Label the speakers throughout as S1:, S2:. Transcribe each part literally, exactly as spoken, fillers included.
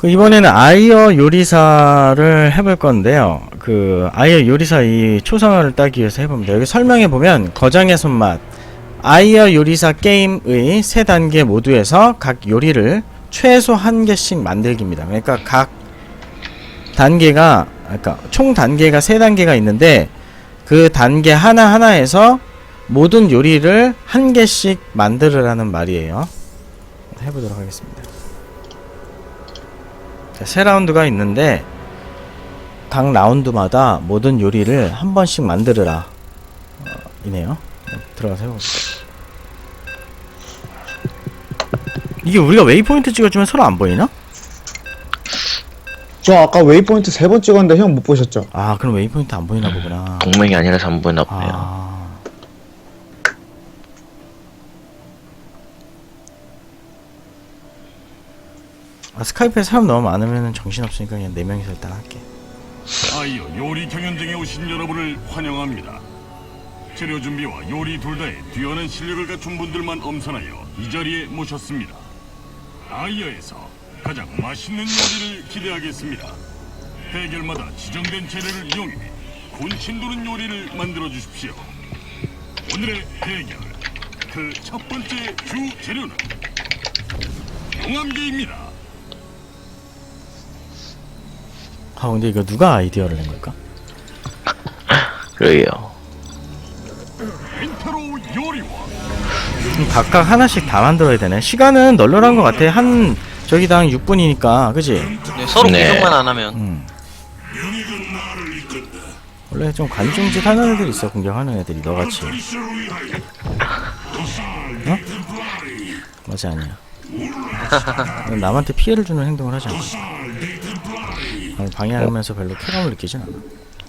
S1: 그 이번에는 아이어 요리사를 해볼 건데요. 그 아이어 요리사 이 초상화를 따기 위해서 해봅니다. 여기 설명해 보면 거장의 손맛 아이어 요리사 게임의 세 단계 모두에서 각 요리를 최소 한 개씩 만들기입니다. 그러니까 각 단계가 그러니까 총 단계가 세 단계가 있는데 그 단계 하나 하나에서 모든 요리를 한 개씩 만들으라는 말이에요. 해보도록 하겠습니다. 자, 세 라운드가 있는데 각 라운드마다 모든 요리를 한 번씩 만들으라 어, 이네요. 들어가서 해봅시다. 이게 우리가 웨이포인트 찍어주면 서로 안 보이나?
S2: 저 아까 웨이포인트 세 번 찍었는데 형 못 보셨죠?
S1: 아 그럼 웨이포인트 안 보이나 보구나.
S3: 동맹이 아니라서 안 보이나 보네요.
S1: 아... 아 스카이프에 사람 너무 많으면 정신없으니까 그냥 네 명이서 일단 할게.
S4: 아이어 요리 경연장에 오신 여러분을 환영합니다. 재료 준비와 요리 둘 다에 뛰어난 실력을 갖춘 분들만 엄선하여 이 자리에 모셨습니다. 아이어에서 가장 맛있는 요리를 기대하겠습니다. 대결마다 지정된 재료를 이용해 군침 도는 요리를 만들어 주십시오. 오늘의 대결 그 첫 번째 주 재료는 용암개입니다.
S1: 아 근데 이거 누가 아이디어를 낸 걸까?
S3: 그러게요.
S4: 엔타로 요리와
S1: 그럼 각각 하나씩 다 만들어야 되네. 시간은 널널한 것 같아. 한 저기당 육 분이니까 그지?
S5: 네, 서로
S3: 네.
S5: 공격만 안 하면.
S1: 음. 원래 좀 관중짓 하는 애들 있어. 공격하는 애들이 너같이. 어? 맞아 아니야. 넌 남한테 피해를 주는 행동을 하지 않아. 아니, 방해하면서 별로 쾌감을 느끼진 않아.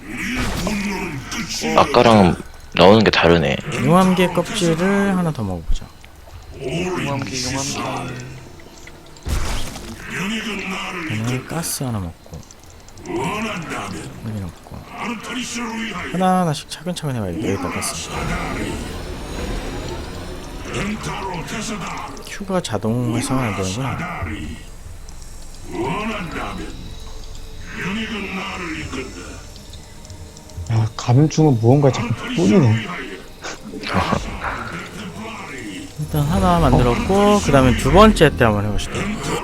S3: 아까랑 나오는 게 다르네.
S1: 용암개 껍질을 하나 더 먹어보자.
S5: 용암기 용암기.
S1: 얘는 가스 하나 먹고 여기 넣고 하나하나씩 차근차근 해봐야겠다. 여기다 가스. 큐가 자동 활성화 안 되는구나.
S2: 야 감충은 무언가 자꾸 뿌리네.
S1: 일단 하나 만들었고 그 다음에 두 번째 때 한번 해봅시다.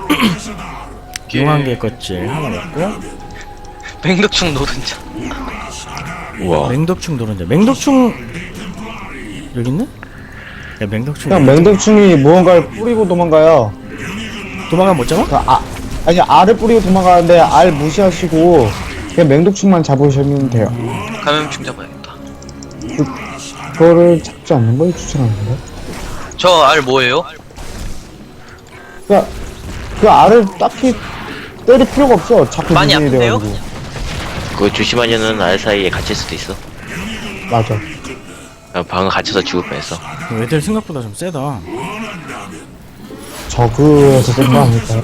S1: 용암개 껍질 하나 먹고
S5: 맹독충 노른자.
S3: 우와.
S1: 맹독충 노른자. 맹독충 여기 있네? 야 맹독충
S2: 그냥 맹독충이 무언가를 뿌리고 도망가요.
S1: 도망가면 못 잡아?
S2: 그 아, 아니 알을 뿌리고 도망가는데 알 무시하시고 그냥 맹독충만 잡으시면 돼요.
S5: 감염충 잡아야겠다.
S2: 그, 그거를 잡지 않는 걸 추천하는데.
S5: 저 알 뭐예요?
S2: 그냥 그 알을 딱히 때릴 필요가 없어. 자꾸
S5: 많이
S2: 유인이
S5: 아픈데요?
S2: 돼가지고.
S3: 그거 조심하면은 알 사이에 갇힐 수도 있어.
S2: 맞아.
S3: 아, 방금 갇혀서 죽을 뻔했어.
S1: 애들 생각보다 좀 세다.
S2: 저그에서 쓴 거 아닐까요?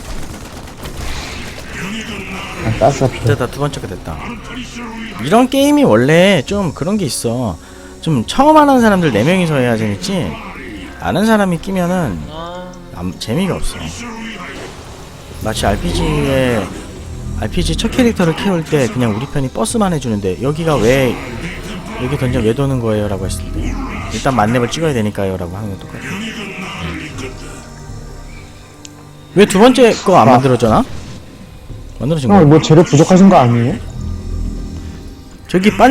S2: 아, 가스가 필요.
S1: 됐다. 두 번째가 됐다. 이런 게임이 원래 좀 그런 게 있어. 좀 처음 하는 사람들 네 명이서 해야 재밌지 아는 사람이 끼면은
S5: 아,
S1: 안, 재미가 없어. 마치 알피지에 알피지 첫 캐릭터를 키울 때 그냥 우리 편이 버스만 해주는데 여기가 왜 여기 던져 왜 도는 거예요? 라고 했을 때 일단 만렙을 찍어야 되니까요 라고 하는 거 똑같아. 왜 두 번째 거 안
S2: 아.
S1: 만들어져나? 만들어진 거야?
S2: 형, 뭐 재료 부족하신 거 아니에요?
S1: 저기 빤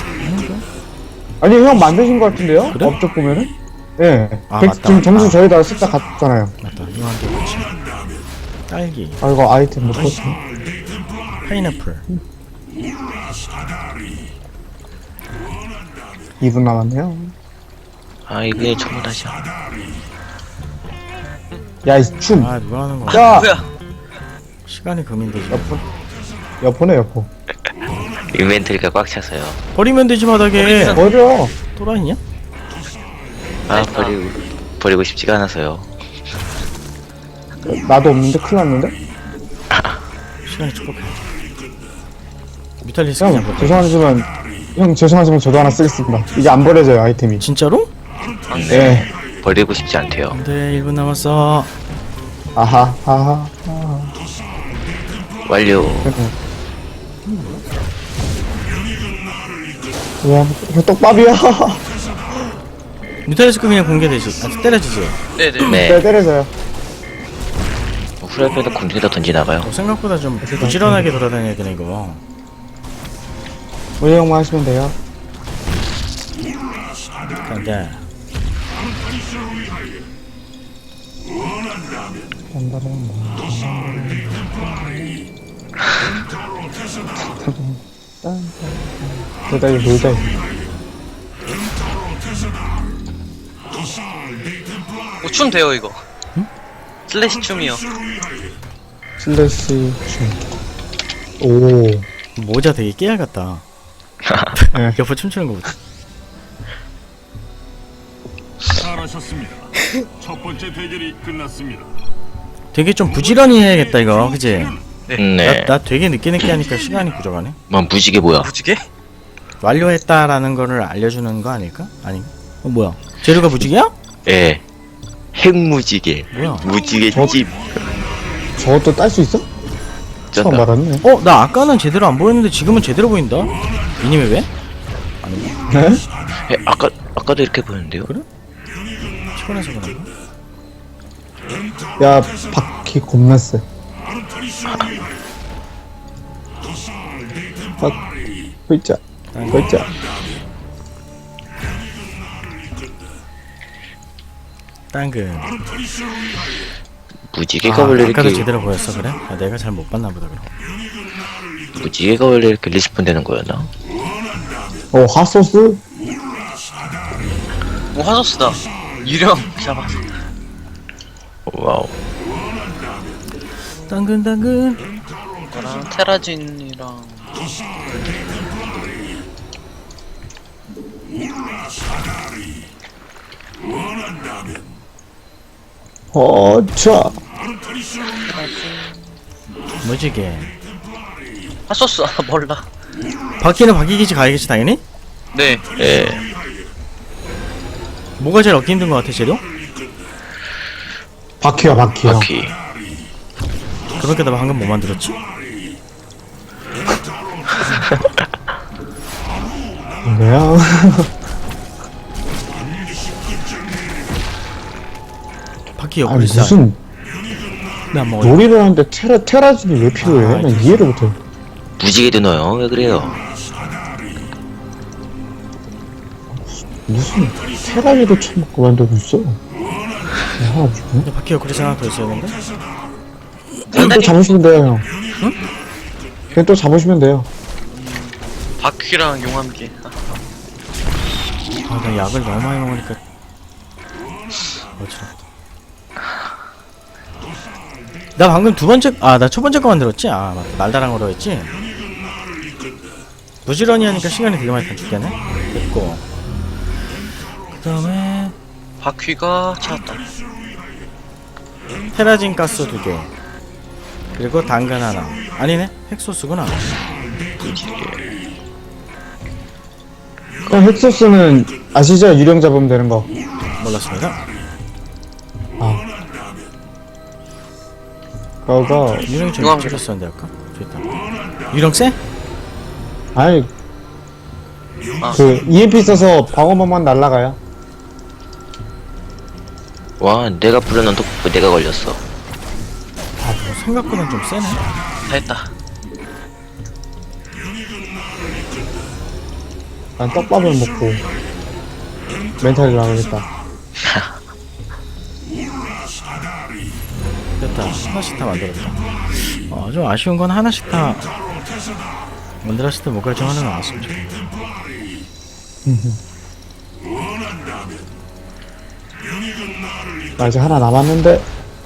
S2: 아니 형 만드신 거 같은데요?
S1: 그래?
S2: 업적 보면은? 예.
S1: 아,
S2: 백-
S1: 맞다.
S2: 지금 점수
S1: 아.
S2: 저희다 쓱다 갔잖아요.
S1: 맞다. 이거한 개 같이 딸기
S2: 아 이거 아이템 못 봤어.
S1: 파인애플
S2: 이 분 남았네요.
S3: 아, 이게 전부 다시야.
S2: 야 이 춤.
S1: 아 누가 하는 거야?
S2: 야
S5: 뭐야?
S1: 시간이 금인되지.
S2: 여포. 여포네 여포.
S3: 인벤토리가 꽉 차서요.
S1: 버리면 되지 바닥에.
S2: 버려.
S1: 또라이냐?
S3: 아, 버리고, 버리고 싶지가 않아서요.
S2: 나도 없는데 큰일 났는데?
S1: 시간이 축복해. 뮤탈리스크
S2: 형
S1: 그냥 버려.
S2: 죄송하지만 형 죄송하지만 저도 하나 쓰겠습니다. 이게 안 버려져요 아이템이.
S1: 진짜로?
S2: 예.
S3: 버리고 싶지 않대요.
S1: 안돼 일 분 남았어.
S2: 아하 하하. 하하.
S3: 완료.
S2: 와, 이거 떡밥이야.
S1: 뮤탈리스크 그냥 공개되지. 아, 때려지지.
S5: 네네.
S3: 네.
S2: 네, 때려줘요.
S3: 후라이팬도 공중에다 던지나봐요.
S1: 어, 생각보다 좀 부지런하게 돌아다녀야 되네 이거.
S2: 운영만 하시면 돼요.
S1: 근데
S2: 놀다 이거 놀다 이거.
S5: 뭐 춤 돼요 이거. 슬래시 춤이요.
S2: 슬래시 춤. 오.
S1: 모자 되게 깨알 같다.
S2: 네.
S1: 옆에 춤추는 거 보자.
S4: 잘하셨습니다. 첫 번째 대결이 끝났습니다.
S1: 되게 좀 부지런히 해야겠다 이거, 그치?
S3: 네.
S1: 나, 나 되게 늦게 늦게 하니까 시간이 부족하네.
S3: 뭐 무지개 뭐야?
S5: 무지개?
S1: 완료했다라는 거를 알려주는 거 아닐까? 아니? 어 뭐야? 재료가 무지개야?
S3: 예. 핵무지개.
S1: 뭐야?
S3: 무지개
S2: 저-
S3: 집.
S2: 저것도 딸 수 있어? 처음
S3: 쩐다.
S2: 알았네.
S1: 어? 나 아까는 제대로 안 보였는데 지금은 제대로 보인다. 이님이 왜?
S2: 네?
S3: 예, 아까 아까도 이렇게 보였는데요?
S1: 그래? 피곤해서 그런가?
S2: 야, 바퀴 겁나 세. 아, 글자, 글자.
S1: 당근.
S3: 무지개가
S1: 아,
S3: 원래
S1: 아까도
S3: 이렇게
S1: 제대로 보였어 그래? 아, 내가 잘 못 봤나 보다 그럼.
S3: 무지개가 원래 이렇게 리스폰 되는 거였나?
S2: 어, 핫소스?
S5: 오 화소스다. 유령 잡았어.
S3: 와우.
S1: 당근 당근.
S5: 이거랑 테라진이랑
S2: 어, 자.
S1: 무지개.
S5: 핫소스 아 몰라.
S1: 바퀴는 바퀴기지 가야겠지 당연히?
S5: 네.
S3: 예.
S1: 뭐가 제일 얻기 힘든 것 같아 재료?
S2: 바퀴야, 바퀴야.
S3: 바퀴.
S1: 그렇게 나 방금 뭐 만들었지?
S2: 뭐야?
S1: 바퀴
S2: 아니,
S1: 옆구리 쌀.
S2: 무슨
S1: 나안 먹어.
S2: 놀이를 하는데 테라, 테라진이 왜 필요해?
S1: 아,
S2: 난 이해를 못해.
S3: 무지개도 넣어요. 왜 그래요?
S2: 무슨 테라리도 처먹고 만들고 있어. 야, 하나 주네.
S1: 바퀴 옆구리 쌀 하나 더 있었는데?
S2: 그냥 또 잡으시면 돼요, 형.
S1: 응?
S2: 그냥 또 잡으시면 돼요.
S5: 바퀴랑 용암기. 아,
S1: 아, 나 약을 너무 많이 먹으니까 어지럽다. 나 방금 두 번째, 아, 나 첫 번째 거 만들었지? 아, 맞다. 날다랑 거로 했지? 부지런히 하니까 시간이 되게 많이 단축되네? 됐고. 그 다음에,
S5: 바퀴가 찾았다.
S1: 테라진 가스 두 개. 그리고 당근 하나. 아니네? 핵소스구나.
S2: 그냥 핵소스는 아시죠? 유령 잡으면 되는 거.
S1: 몰랐습니다.
S2: 아. 그거가,
S1: 유령 좀
S5: 유황.
S1: 찍었었는데, 아까? 좋다. 유령 쎄?
S2: 아니,
S5: 아.
S2: 그, 이엠피 써서 방어막만 날라가요.
S3: 와, 내가 부르는 독 내가 걸렸어.
S1: 아, 뭐 생각보다 좀 세네.
S5: 다 했다.
S2: 난 떡밥을 먹고, 멘탈이 나가겠다.
S1: 됐다. 하나씩 다 만들었다. 어, 좀 아쉬운 건 하나씩 다 만들었을 때 뭐가 좀 하나 나왔으면 좋겠다.
S2: 나 아직 하나 남았는데,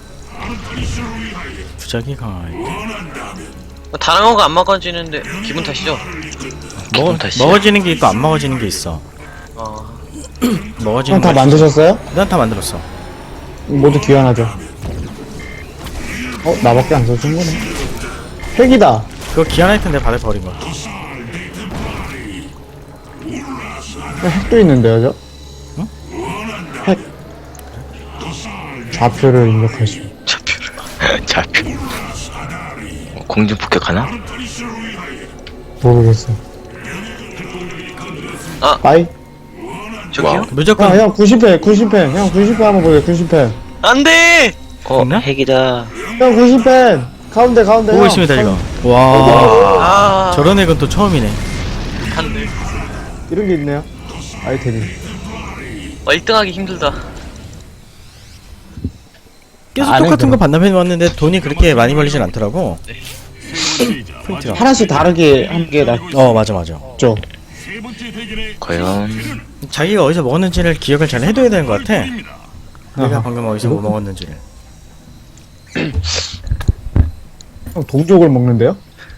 S1: 부작이 강하게.
S5: 다른 거가 안 먹어지는데 기분 탓이죠?
S1: 먹어,
S3: 탓이야.
S1: 먹어지는 게 있고 안 먹어지는 게 있어.
S5: 어.
S1: 먹어지는
S2: 형 다
S1: 거
S2: 만드셨어요?
S1: 난 다 만들었어.
S2: 모두 귀환하죠. 어, 나밖에 안 써준 거네. 핵이다.
S1: 그거 기한 아이템 내가 받아 버린 거.
S2: 핵도 있는데요, 저?
S1: 응?
S2: 핵. 좌표를 입력하시오.
S3: 좌표를. 좌표. 공중 폭격하나?
S2: 모르겠어.
S5: 아.
S2: 빠이.
S5: 저기요?
S3: 와우.
S1: 무조건
S2: 형, 형 구십 회, 구십 회. 형 구십 회 한번 보세요, 구십 회.
S5: 안돼!
S3: 어,
S1: 있나?
S3: 핵이다.
S2: 형 구십 회. 가운데, 가운데.
S1: 보고
S2: 형.
S1: 있습니다 이거. 와
S5: 아
S1: 저런 액은 또 처음이네.
S5: 안돼.
S2: 이런 게 있네요. 아이템이.
S5: 어, 일 등 하기 힘들다.
S1: 계속
S2: 안
S1: 똑같은 거
S2: 해도.
S1: 반납해 왔는데 돈이 그렇게 많이 벌리진 않더라고. 포인트가.
S2: 하나씩 다르게 한 게 낫죠.
S1: 어 맞아 맞아.
S4: 세 번째 대결의
S3: 과연
S1: 자기가 어디서 먹었는지를 기억을 잘 해둬야 되는 것 같아.
S4: 입니다.
S1: 내가
S2: 아하.
S1: 방금 어디서 뭐 먹었는지를.
S2: 형 동족을 먹는데요?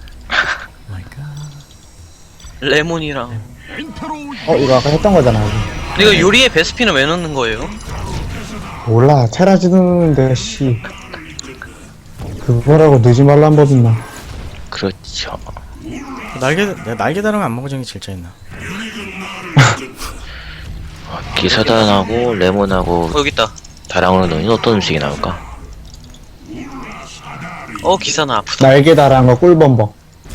S5: 레몬이랑.
S4: 엔터로
S2: 어, 이거 아까 했던 거잖아.
S5: 근데 이거 요리에 베스핀은 왜 넣는 거예요?
S2: 몰라, 테라지도 넣는데, 씨. 그거라고 넣지 말란 법 있나?
S3: 그렇죠.
S1: 날개 내가 날개 다른 거 안 먹어준 게 제일 짜증나.
S3: 기사단하고 레몬하고
S5: 어 여기 있다.
S3: 다랑으로 넣으면 어떤 음식이 나올까?
S5: 어 기사나 아프다.
S2: 날개 달아한 거 꿀범벅.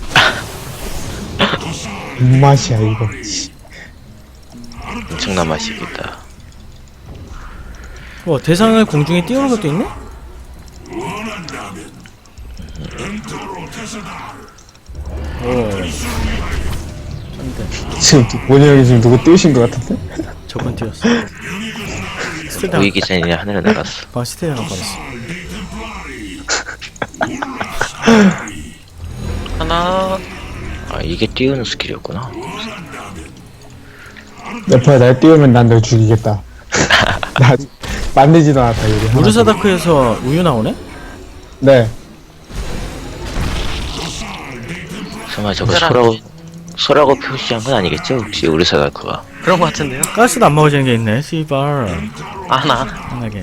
S2: 뭔 맛이야, 이거. 씨.
S3: 엄청난 맛이겠다.
S1: 뭐 대상을 공중에 띄우는 것도 있네? 오. 짠데.
S2: 지금, 원희 형이 지금 누구 띄우신 것 같은데?
S1: 저번 띄웠어. 스테다.
S3: 우이 기사님이 하늘에 날았어.
S1: 방 스테다 한 뻔했어.
S5: 하나.
S3: 아, 이게 띄우는 스킬이었구나.
S2: 옆에 날 띄우면 난 널 죽이겠다. 나 만들지도 않았다, 이거. 하나.
S1: 우르사다크에서 우유 나오네?
S2: 네.
S3: 설마 저거
S5: 사람.
S3: 소라고 소라고 표시한 건 아니겠죠? 혹시 우리 사다크가
S5: 그런 거 같은데요?
S1: 가스도 안 먹어지는 게 있네. 씨발.
S5: 하나.
S1: 편하게.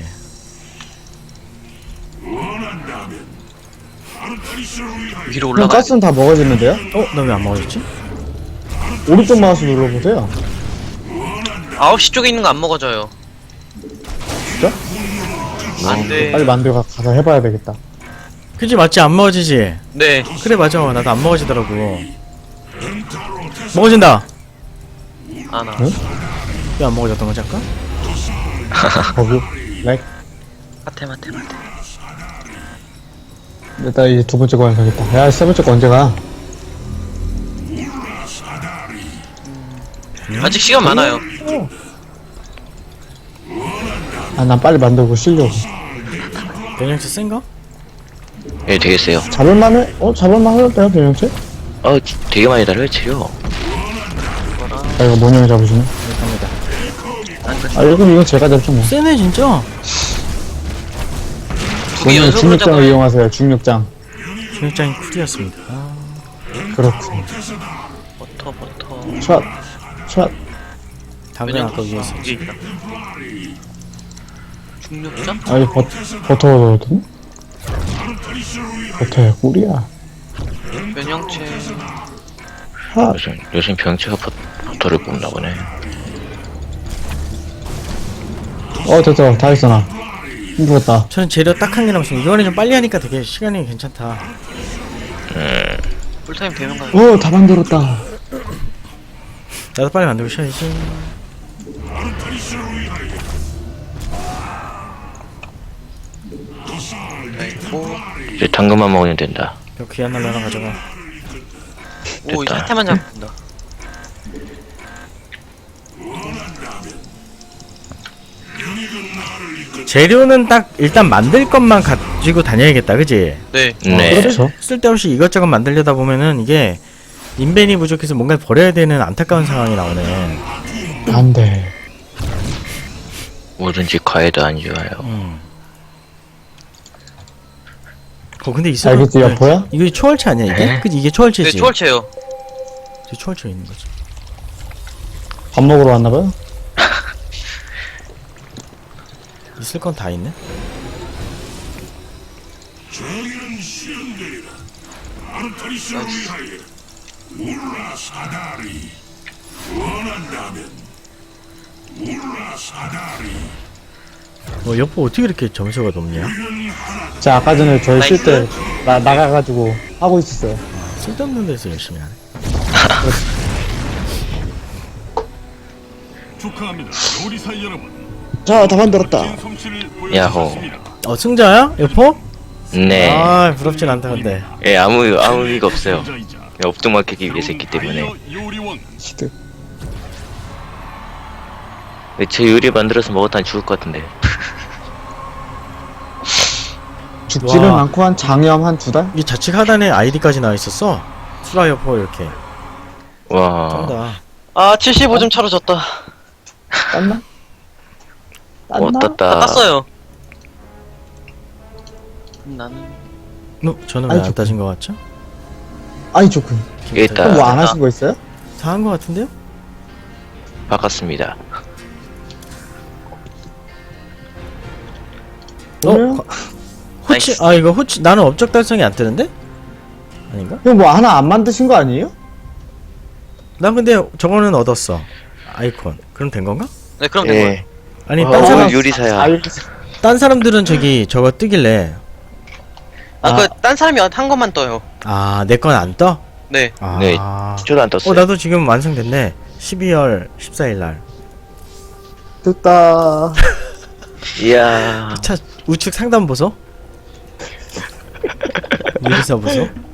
S5: 위로
S2: 형
S5: 올라가.
S2: 가스는 다 먹어지는데요?
S1: 어? 나 왜 안 먹어졌지?
S2: 오른쪽 마우스 눌러보세요.
S5: 아홉 시 쪽에 있는 거 안 먹어져요.
S2: 진짜?
S5: 안돼.
S2: 빨리 만들어 가- 가서 해봐야 되겠다.
S1: 그지 맞지? 안 먹어지지?
S5: 네.
S1: 그래 맞아. 나도 안 먹어지더라고. 먹어진다.
S5: 하나.
S2: 응?
S1: 왜 안 먹어졌던 거지 아까?
S2: 거기. 렉.
S5: 마테 마테 마테.
S2: 일단 이제 두 번째 거 완성했다. 야, 세 번째 거 언제 가?
S5: 아직 시간 많아요.
S2: 아, 난 빨리 만들고 쉬려고.
S1: 변형체 센가?
S3: 예, 되게 세요.
S2: 잡을만해? 어, 잡을만 하던데요, 변형체?
S3: 어, 지- 되게 많이 달아요, 치료.
S2: 아, 이거 모형이 잡으시네.
S1: 갑니다.
S2: 아, 이거, 이거 제가 잡죠, 뭐.
S1: 세네 진짜.
S5: 두 개
S2: 모형
S5: 연속으로
S2: 중력장을
S5: 잡아요.
S2: 이용하세요, 중력장.
S1: 중력장이 쿨이었습니다. 아,
S2: 그렇군.
S5: 버터 버터.
S2: 샷, 샷.
S1: 당근 아까 위에 있었지.
S5: 위에 있다. 중력장?
S2: 아, 이 버, 버터가 넣었더니? 버터야, 꿀이야.
S5: 변형체.
S2: 샷.
S3: 요즘 요즘 병체가 버, 버터를 뽑나 보네.
S2: 어, 됐어. 다 했어, 나. 힘들었다.
S1: 저는 재료 딱 한 개 남았습니다. 이번에 좀 빨리 하니까 되게 시간이 괜찮다.
S5: 풀타임 되면 가요.
S2: 어, 다 만들었다.
S1: 나도 빨리 만들고 쉬어야지.
S5: 있고.
S3: 이제 당근만 먹으면 된다.
S1: 그 귀한 날로 하나 가져가.
S5: 오 이제
S3: 됐다.
S5: 한 태만 잡는다.
S1: 재료는 딱 일단 만들 것만 가지고 다녀야겠다, 그지?
S5: 네.
S3: 네.
S2: 그렇죠.
S1: 쓸데없이 이것저것 만들려다 보면은 이게 인벤이 부족해서 뭔가 버려야 되는 안타까운 상황이 나오네.
S2: 안 돼.
S3: 뭐든지 과해도 안 좋아요.
S1: 음. 어 근데 있어.
S2: 알겠지, 여포야?
S1: 이거 초월체 아니야 이게?
S3: 네.
S1: 그지 이게
S5: 네
S1: 초월체지.
S5: 초월체요.
S1: 이게 초월체 있는 거지.
S2: 밥 먹으러 왔나봐요?
S1: 있을 건 다 있네. 어 여포 어떻게 이렇게 점수가 높냐?
S2: 자, 아까 전에 저희 쉴 때
S5: 나이스.
S2: 나가가지고 하고 있었어요.
S1: 쓸데없는 데서 열심히 하네.
S4: 축하합니다, 요리사 여러분.
S2: 자, 다 만들었다.
S4: 멋진 솜씨를
S3: 야호.
S4: 보여주셨습니다.
S1: 어 승자야? 여포?
S3: 네.
S1: 아 부럽진 않다 근데.
S3: 예, 아무 아무 의미가 없어요.
S4: 승자이자
S3: 예, 업종맞기 위해서 했기 때문에.
S4: 아이어 요리원.
S2: 시드.
S3: 예, 제 요리 만들어서 먹었다니 죽을 것 같은데.
S2: 죽지는
S1: 와.
S2: 않고 한 장염 한 두 달?
S1: 이 좌측 하단에 아이디까지 나와 있었어. 수라 여포 이렇게.
S3: 와.
S1: 쩐다.
S5: 아 칠십오 점 차로 졌다.
S2: 땄나?
S3: 어,
S2: 땄나?
S3: 땄다.
S5: 다 땄어요. 나는
S1: 어, 저는 왜
S2: 아이,
S1: 안
S2: 좋군.
S1: 따진 것 같죠?
S2: 아니, 좋군.
S3: 일단
S2: 그럼 뭐 안 하신 거 있어요?
S1: 다 한 것 같은데요?
S3: 바꿨습니다.
S2: 오늘?
S1: 어? 호치
S5: 나이스.
S1: 아 이거 호치 나는 업적 달성이 안 뜨는데? 아닌가?
S2: 그럼 뭐 하나 안 만드신 거 아니에요?
S1: 난 근데 저거는 얻었어. 아이콘. 그럼 된 건가?
S5: 네 그럼 된 거예요.
S3: 예.
S1: 아니
S3: 어,
S1: 딴 사람
S3: 요리사야.
S2: 알-
S1: 딴 사람들은 저기 저거 뜨길래
S5: 아
S1: 아.
S5: 그 딴 사람이 한 것만 떠요.
S1: 아 내 건 안 떠?
S5: 네.
S1: 아.
S3: 네, 저도 안 떴어요.
S1: 어 나도 지금 완성됐네. 십이월 십사일 날.
S2: 됐다.
S3: 이야.
S1: 차 우측 상단 보소. 요리사 보소.